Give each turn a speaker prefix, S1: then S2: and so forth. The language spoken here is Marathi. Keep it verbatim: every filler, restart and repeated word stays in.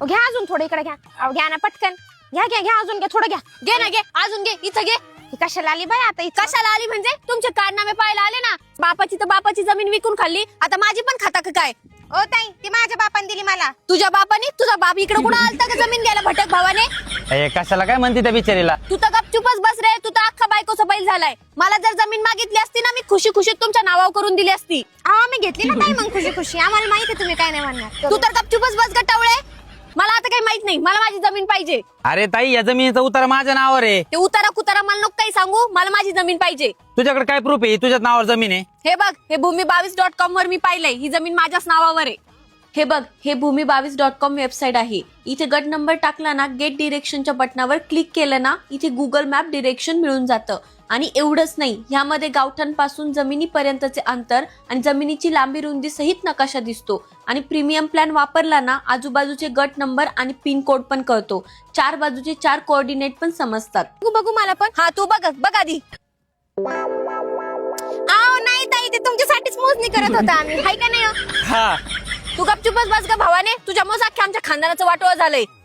S1: घ्या अजून थोडं इकडे घ्या. अहो घ्या ना पटकन. घ्या घ्या घ्या अजून घ्या थोडं घ्या.
S2: घे ना घे अजून घे इथं घे.
S1: ही कशाला आली बाई आता?
S2: कशाला आली म्हणजे तुमचे कारनामे पाहायला आले ना. बापाची तर बापाची जमीन विकून खाल्ली, आता माझी पण खाता का काय?
S1: ओ ताई ती माझ्या बापाने दिली मला.
S2: तुझ्या बापाने? तुझा बाप इकडे कुठं आलता का जमीन घ्यायला भटक भावाने?
S3: ए, कशाला काय म्हणते त्या बिचारीला?
S2: तू तर गपचूपच बस रे, तू तर अख्खा बायकोचा बैल झालाय. मला जर जमीन मागितली असती ना, मी खुशी खुशीत तुमच्या नावावर करून दिली असती.
S1: अहो मी घेतली ना ताई मग खुशी खुशी. आम्हाला माहिती तुम्ही काय नाही म्हणणार.
S2: तू तर गपचूपच बस गटावळे. मला आता काही माहित नाही, मला माझी जमीन पाहिजे.
S3: अरे ताई, या जमिनीचा उतारा माझ्या नावावर आहे.
S2: ते उतारा कुतारा मला नको काही सांगू, मला माझी जमीन पाहिजे.
S3: तुझ्याकडे काय प्रूफ आहे तुझ्याच नावावर जमीन आहे?
S2: हे बघ, हे भूमी बावीस डॉट कॉम वर मी पाहिलंय, ही जमीन माझ्याच नावावर आहे. हे बघ, हे भूमी बावीस डॉट कॉम वेबसाईट आहे. इथे गट नंबर टाकला ना, गेट डिरेक्शनच्या बटनावर क्लिक केलं ना, इथे गुगल मॅप डिरेक्शन मिळून जातं. आणि एवढंच नाही, ह्यामध्ये गावठांपासून जमिनीपर्यंतचे अंतर आणि जमिनीची लांबी रुंदी सहित नकाशा दिसतो. आणि प्रीमियम प्लॅन वापरला ना, आजूबाजूचे गट नंबर आणि पिन कोड पण कळतो. चार बाजूचे चार कोऑर्डिनेट पण समजतात.
S1: बघू बघू मला पण.
S2: हा तू बघ बघ आधी.
S1: अहो नाही ताई ते तुमच्यासाठीच मोजणी करत होता आम्ही. हाय का नाही हो?
S3: हा.
S2: तू गपचूपच बस ग भावाने, तुझ्यामुळे अख्ख्या आमच्या खानदानाचं वाटोळं झालंय.